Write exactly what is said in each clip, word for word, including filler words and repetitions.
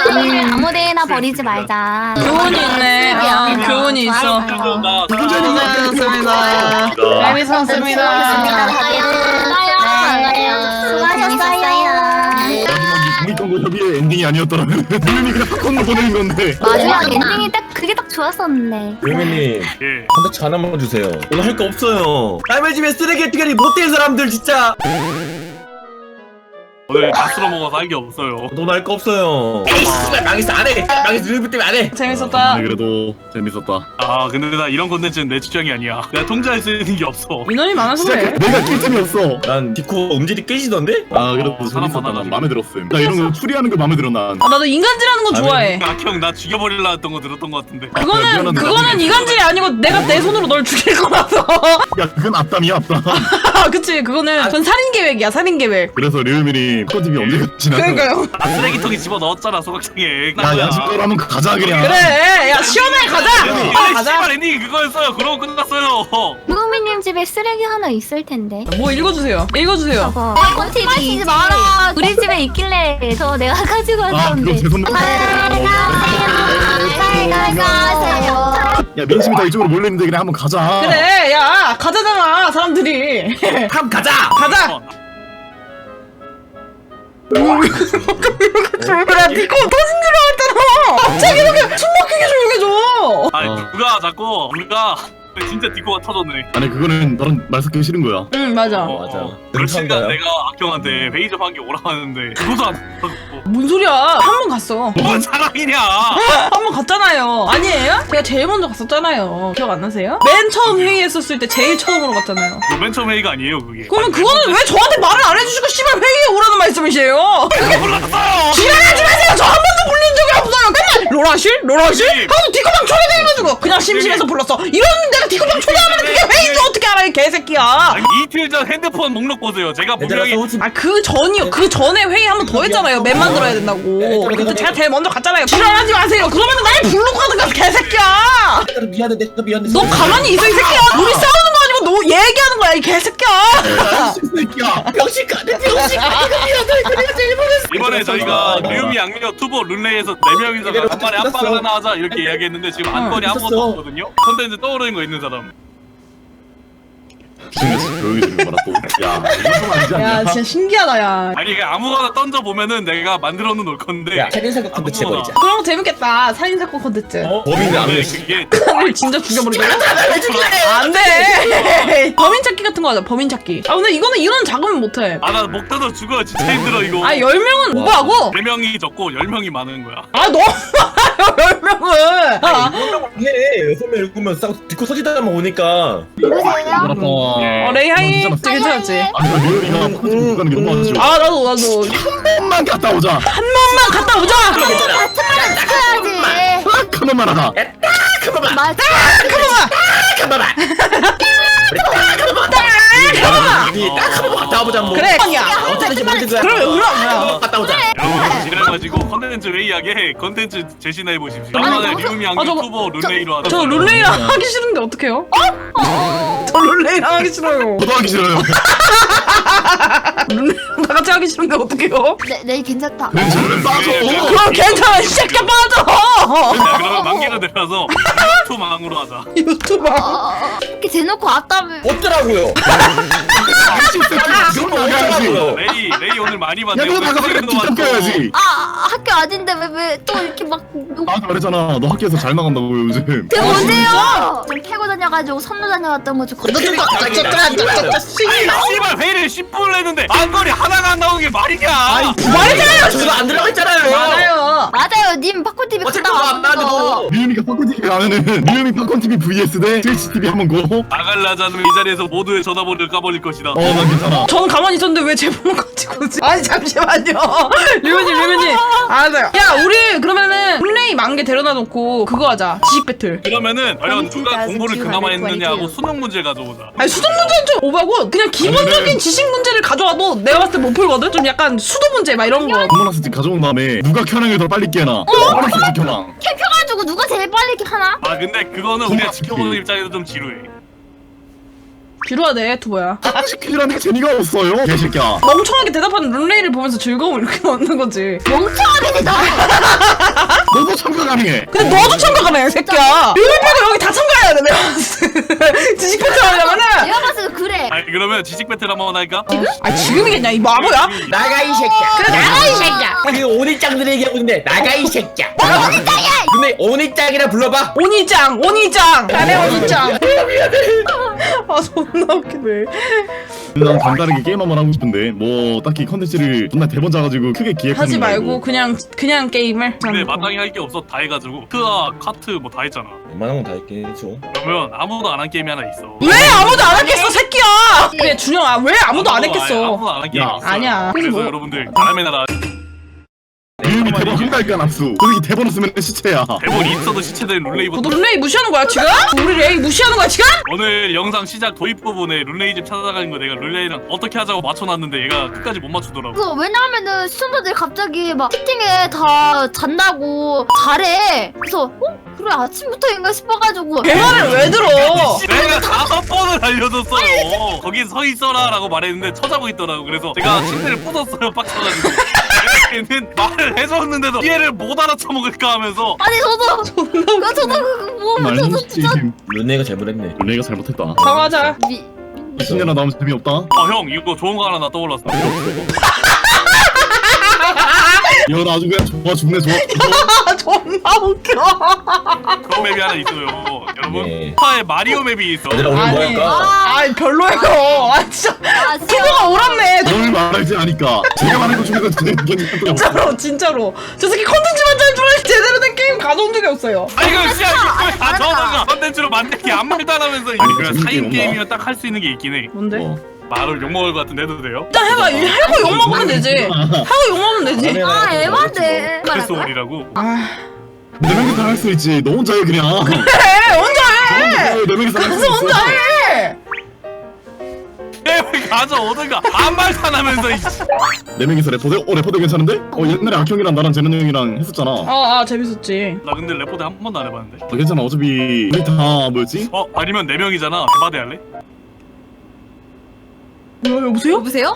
쓰레기를 아무데나 버리지 말자. 교훈이 있네. 아, 교훈이 있어. 고생하셨습니다. 재밌었습니다. 수고하셨어요. 공익광고 협의회 엔딩이 아니었더라면 물론이 그냥 팝콘으로 보내는 건데. 마지막 엔딩이 딱 그게 딱 좋았었는데. 유미님 예. 컨텐츠 하나만 주세요. 오늘 할 거 없어요. 남의 집에 쓰레기 티가리 못된 사람들 진짜. 오늘 다 쓸어 먹어서 할 게 없어요. 돈 할 거 없어요. 에이 씨발 망했어 안 해. 망했어 루비 때문에 안 해. 재밌었다. 아니, 그래도 재밌었다. 아 근데 나 이런 콘텐츠는 내 취향이 아니야. 내가 통제할 수 있는 게 없어. 인원이 많아서 진짜 그래. 내가 낄 틈이 없어. 난 디코 음질이 깨지던데? 아 그래도 어, 사람 재밌었다. 난 많아가지고. 마음에 들었음. 나 이런 거 추리하는 거 마음에 들어 난. 아, 나도 인간질하는 거 좋아해. 악형 나 죽여버릴라 했던 거 들었던 거 같은데. 그거는 미안한데 그거는 나중에 인간질이 아니고 내가 내 손으로 널 죽일 거라서. 야 그건 앞담이야 앞담. 그치, 그거는 그건 살인 계획이야, 살인 계획. 그래서 류미리 팝콘티비 언제 갔지나. 그러니까요. 나 쓰레기통에 집어 넣었잖아 소각창에. 야 양심대로 하면 가자 그냥. 그래, 야 시원하게 가자. 아니 아, 가자. 씨발 엔딩이 그거였어요. 그러고 끝났어요. 무국미님 집에 쓰레기 하나 있을 텐데. 뭐 읽어주세요. 읽어주세요. 저거. 콘티비 마라. 우리 집에 있길래 저 내가 가지고 아 그거 왔었는데. 제 선물. 잘 가세요. 야 민심이 다 이쪽으로 몰려있는데 그냥 한번 가자. 그래, 야 가자잖아 사람들이. 함 가자. 가자. 야 니꺼 터진 줄 알았잖아. 갑자기 이렇게 숨 막히게 조용해져. 아니 어. 누가 자꾸 누가 진짜 디코가 터졌네. 아니 그거는 나랑 말 섞기 싫은 거야. 응 맞아. 어, 맞아. 어. 며칠간 능청가요? 내가 악형한테 회의 좀 한 게 오라 하는데 그것도 안 하고. 뭔 소리야? 한 번 갔어. 뭔 자랑이냐? 한 번 갔잖아요. 아니에요? 제가 제일 먼저 갔었잖아요. 기억 안 나세요? 맨 처음 회의했었을 때 제일 처음으로 갔잖아요. 그거 맨 처음 회의가 아니에요 그게. 그러면 그거는 왜 저한테 말을 안 해주시고 씨발 회의에 오라는 말씀이세요? 몰랐어요. 지랄하지 마세요. 저 한 번도 불린 적이 없어요. 맨날 로라실? 로라실? 하고 디코방 초대돼가지고 그냥 심심해서 불렀어. 이러는 내가 디코방 초대하면 그게 회의인지 어떻게 알아 이 개새끼야. 아니, 이틀 전 핸드폰 목록 보세요. 제가 얘들아 분명히 소우지. 아 그 전이요. 그 전에 회의 한 번 더 했잖아요. 맵 만들어야 된다고. 그때 제가 제일 먼저 갔잖아요. 지랄하지 마세요. 그러면 날 부르고 가든가 개새끼야. 내가 미안해 내가 미안해. 너 가만히 있어 이 새끼야. 우리 싸우는 거 아니고 너 얘기하는 거야 이 개새끼야. 새끼야. 병신 가네 병신 가네. 내가 제일 못했어. 이번에 저희가 류미 양력 투보 룰레이에서 네 명이서 이래로 간만에 끝났어. 합방 하나 하자 이렇게 이야기했는데 지금 안건이 응, 아무것도 끝났어. 없거든요. 컨텐츠 떠오르는 거 있는 사람. 조용히 좀 해봐라 또. 야 이거 좀 아니지 않냐? 야 진짜 신기하다 야. 아니 그냥 아무거나 던져 보면은 내가 만들어 놓을 건데. 야 살인 사건 컨텐츠 해버리자. 그런 거 재밌겠다. 살인사건 컨텐츠. 어? 범인은 안 근데 돼. 그게 사람을 진짜 죽여버리잖아. 안돼. 범인 찾기 같은 거 하자. 범인 찾기. 아 근데 이거는 이런 작업은 못해. 아나 목 뜯어 죽어 진짜 힘들어 이거. 아 열 명은 와. 오버하고. 네 명이 적고 열 명이 많은 거야. 아 너무 많아요 열 명은. 아, 해 여섯 명 일곱 명 싸고 디코 서지다만 오니까. 누구세요? 알았다. 어 레이하이. 진짜 괜찮았지. 아니 나 류미가 팝콘티비 못 가는 게 너무 아쉬워. 아 나도 나도 한 번만 갔다 오자. 한 번만 갔다 오자. 같은 말은 지켜야지. 딱 한 번만 하자. 잠깐만. 맞아. 잠깐만. 우리 딱한 번만 갔다 와보자 뭐. 그래. 야. 어쩌든지 뭔지 그럼 그럼. 갔다 오자. 여러분 지나가지고 컨텐츠 회의하게 컨텐츠 제시나 해보십시오. 이번에 류미 아, 양력 저거- 투보 룰레이로 하자. 저 룰레이랑 하기 싫은데 어떡해요? 어? 저 룰레이랑 하기 싫어요. 저도 하기 싫어요. 룰레이랑 다 같이 하기 싫은데 어떡해요? 네, 네 괜찮다. 내 집을 빠져. 그럼 괜찮아 이 새끼야 빠져. 자, 그러면 만개가 내려서 유튜브 망으로 하자. 유튜버. 어, 이렇게 대놓고 왔다며. 어쩌라고요? 이건 나가야지. 레이 레이 오늘 많이 봤네. 야 너가 오늘 나가서 그냥 수익도 많고. 뒷담겨야지. 아 학교 아닌데 왜 왜 또 이렇게 막. 나한테 말했잖아. 너 학교에서 잘 나간다고 요즘. 그게 뭔데요? 좀 패고 다녀가지고 선로 다녀왔던 거좀 씨발 회의를 십 분을 했는데 안거리 하나가 안 나오는 게 말이냐? 말이잖아요. 저도 안 들어갔잖아요. 많아요. 맞아요. 님 팝콘티비 어차피 갔다 안 나는데 왔어. 뭐. 류미가 팝콘티비 가면은 류미 팝콘티비 vs 대 트위치티비 한번 고. 나갈라자는 이 자리에서 모두의 전화번호를 까버릴 것이다. 어 난 괜찮아. 저는 가만히 있었는데 왜 제 번호 가지고 오지? 아니 잠시만요. 류현님 류현님. 알았어요. 야 우리 그러면은 플레이 만개 데려다 놓고 그거 하자. 지식 배틀. 그러면은 과연 누가 공부를 그나마 했느냐고 수능 문제 가져오자. 아니 수동 문제는 좀 오바고 그냥 기본적인 아니면은- 지식 문제를 가져와도 내가 봤을 때 못 풀거든? 좀 약간 수도 문제 막 이런 거. 공문학습지 가져온 다음에 누가 켜랑을 더 빨리 깨나. 공문학습지 켜랑. 캠 펴가지고 누가 제일 빨리 이렇게 하나? 아 근데 그거는 우리가 정말 지켜보는 어떡해. 입장에서 좀 지루해. 비루하네 투보야. 시키라는 게 재미가 없어요. 개새끼야. 멍청하게 대답하는 룬레이를 보면서 즐거움을 이렇게 얻는 거지. 멍청하게 대답. 가능해. 근데 너도 참가 가능해 새끼야. 여기 빼고 여기 다 참가해야 돼 내가. 지식 배틀 하려면은. 내가 봤을 때 그래. 아니 그러면 지식 배틀 한번 할까? 아 지금이겠냐 이 바보야? 나가 이 새끼야. 그래 나가 이 새끼야. 그 오니짱들이 얘기하고 있는데 나가 이 새끼야. 오니짱이야. 근데 오니짱이라 불러봐. 오니짱 오니짱 나네 오니짱. 아 존나 웃기네. 난 간단하게 게임 한번 하고 싶은데 뭐 딱히 컨텐츠를 존나 대본 짜가지고 크게 기획하는 하지 거 말고 그냥 그냥 게임을. 근데 마땅히 할 게 없어 다 해가지고 크아 카트 뭐 다 했잖아. 웬만한 건 다 했긴 했죠. 그러면 아무도 안 한 게임이 하나 있어. 왜 아무도 안 했겠어 새끼야. 그래 준영아 왜 아무도 안 했겠어. 아무도 안 한 게임이 야, 있어. 아니야. 그래서 뭐- 여러분들 바람의 나라 유미 대본 한달까 납수. 솔직히 대본 없으면 시체야. 대본이 있어도 시체된 룰레이부터. 너 룰레이 무시하는 거야 지금? 우리 레이 무시하는 거야 지금? 오늘 영상 시작 도입 부분에 룰레이 집 찾아가는 거 내가 룰레이랑 어떻게 하자고 맞춰놨는데 얘가 끝까지 못 맞추더라고. 그 왜냐하면은 시청자들이 갑자기 막 채팅에 다 잔다고 잘해. 그래서 어? 그래 아침부터인가 싶어가지고 내 말을 왜 들어? 내가 다섯 번을 알려줬어요. 거기 서 있어라 라고 말했는데 쳐자고 있더라고. 그래서 제가 침대를 부쉈어요 빡쳐가지고. 얘는 말을 해줬는데도 이해를 못 알아쳐먹을까 하면서 아니 저도 존나 그 저도 그뭐 저도 말했지. 진짜 룬네가 잘못했네. 내가 잘못했다. 사과하자. 미 십 년이나 나오면 재미없다. 어 형 이거 좋은 거 하나 나 떠올랐어. 이거 아주 그냥 좋아 죽네 좋아. 아 존나 웃겨. 그런 맵이 하나 있어요. 여러분 네. 파에 마리오 맵이 있어. 얘들아 오늘 뭐 아니. 할까? 아 별로예요. 아 진짜 아 진짜 피부가 오랐네. 뭘 말할지 아니까. 제가 말한 것 중에서 제일 의견이 한 적이 없어. 진짜로 진짜로 저 새끼 컨텐츠만 잘 줄 알지 제대로 된 게임 가져온 적이 없어요. 아니 그 씨야 아니, 이거 다 알았다. 저거가 컨텐츠로 만들기 아무 말도 안 하면서 아니 그냥 재밌게 사인 뭔가. 게임이면 딱 할 수 있는 게 있긴 해. 뭔데? 뭐. 말을 욕먹을 것 같은데 해도 돼요? 일단 해봐. 하고 욕 먹으면 되지. 하고 욕 먹으면 되지. 아 에반데 크리스몰이라고. 아 네 명이서 할 수 있지. 너 혼자 해 그냥. 해. 혼자 해. 네 명이서 할 수 가서 있어. 혼자 해. 게임을 가져오든가 아무 말도 안 하면서 이씨. 네 명이서 레포드? 어 레포드 괜찮은데? 어 옛날에 악형이랑 나랑 재능 형이랑 했었잖아. 어 아, 아 재밌었지. 나 근데 레포드 한 번도 안 해봤는데. 괜찮아. 어차피 우리 다 뭐였지? 어 아니면 네 명이잖아. 대바대 할래? 뭐야 여보세요? 여보세요?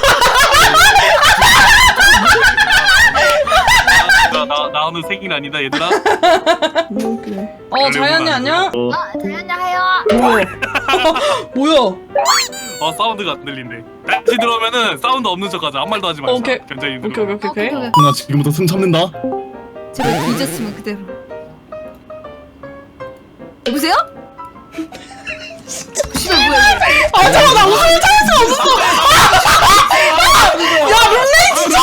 나, 나, 나 오늘 생일 아니다 얘들아. 너무 웃기네. 어 자연이 안녕? 어 아 자연이 하여. 뭐야? 뭐야? 어 사운드가 안 들린대. 다시 들어오면은 사운드 없는 척하자. 아무 말도 하지 말자. 오케이. 굉장히 오케이 오케이 오케이 오케이. 오케이. 나 지금부터 숨 참는다. 제가 잊었으면 그대로. 여보세요? 진짜 뭐야 이게? 아 잠깐 나 웃음을 참을 수가 없었어. 야 룰레이 진짜.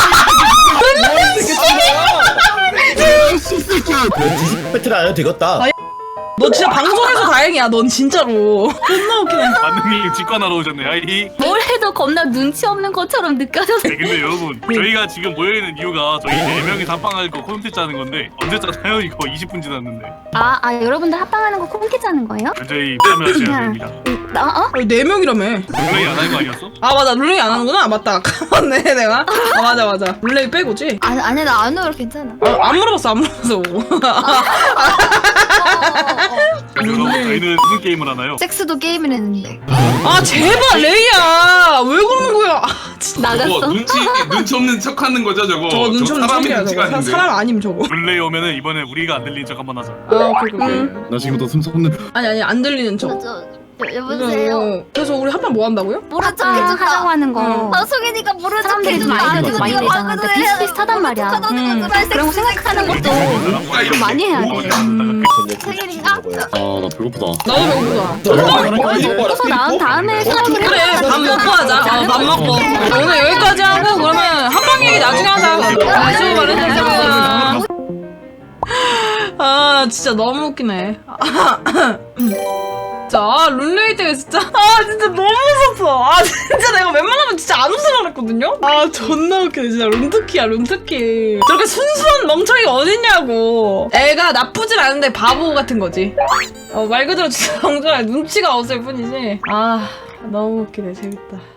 진짜. 배틀 안 해도 되겠다. 아, 너 진짜 방송에서 다행이야. 넌 진짜로. 존나 웃기네. 만능이 직관하러 오셨네. 아이. 뭘 해도 겁나 눈치 없는 것처럼 느껴져서. 네, 근데 여러분 저희가 지금 모여있는 이유가 저희 네 명이 합방할 거 콘텐츠 하는 건데 언제 짜나요? 이거 이십 분 지났는데 아, 아 여러분들 합방하는 거 콘텐츠 하는 거예요? 저희 참여하셔야 됩니다. 나 어? 아니 네 명이라며. 룰레이 안 할 거 아니었어? 아 맞아 룰레이 안 하는구나. 아, 맞다. 까먹네 내가. 아 맞아 맞아. 룰레이 빼고지. 아니 아니 나 안 울어 괜찮아. 아, 안 물어봤어 안 물어봤어. 그래서 저희는 무슨 게임을 하나요? 섹스도 게임을 했는데 아 제발 레이야 왜 그러는 거야? 아, 진짜. 나갔어. 저거 눈치 눈치 없는 척하는 거죠 저거. 저거 눈치 없는 사람이 척이야 눈치가 저거. 아닌데. 사람 아님 저거. 룰레이 오면은 이번에 우리가 안 들리는 척 한번 하자. 아 오케이 오케이. 오케이. 나 지금부터 숨 참는다. 아니 아니 안 들리는 척. 저, 저, 여보세요. 어, 그래서 우리 합방 뭐 한다고요? 모른 척 해준다. 하자고 하는 거. 어. 방송이니까 모른 척 사람들이 좀 해준다. 아이디어도 많이 내잖아. 그러니까 비슷비슷하단 말이야. 음. 그런 거 생각하는 것도 누가 이렇게 많이 해야 돼. 음. 생일인가? 아 나 배고프다. 나도 배고프다. 먹고서 나온 다음에 수업을 그래 밥 먹고 하자. 어, 밥 먹고. 오늘 여기까지 하고 그러면 합방 얘기 나중에 하자. 아, 수고 많으셨습니다. 아 진짜 너무 웃기네. 자 룰레이 때문에 진짜 아 진짜 너무 웃었어. 아 진짜 내가 웬만하면 진짜 안 웃으려고 그랬거든요. 아 존나 웃기네 진짜. 룬트키야 룬트키. 저렇게 순수한 멍청이가 어딨냐고. 애가 나쁘진 않은데 바보 같은 거지. 어, 말 그대로 진짜 정말 눈치가 없을 뿐이지. 아 너무 웃기네 재밌다.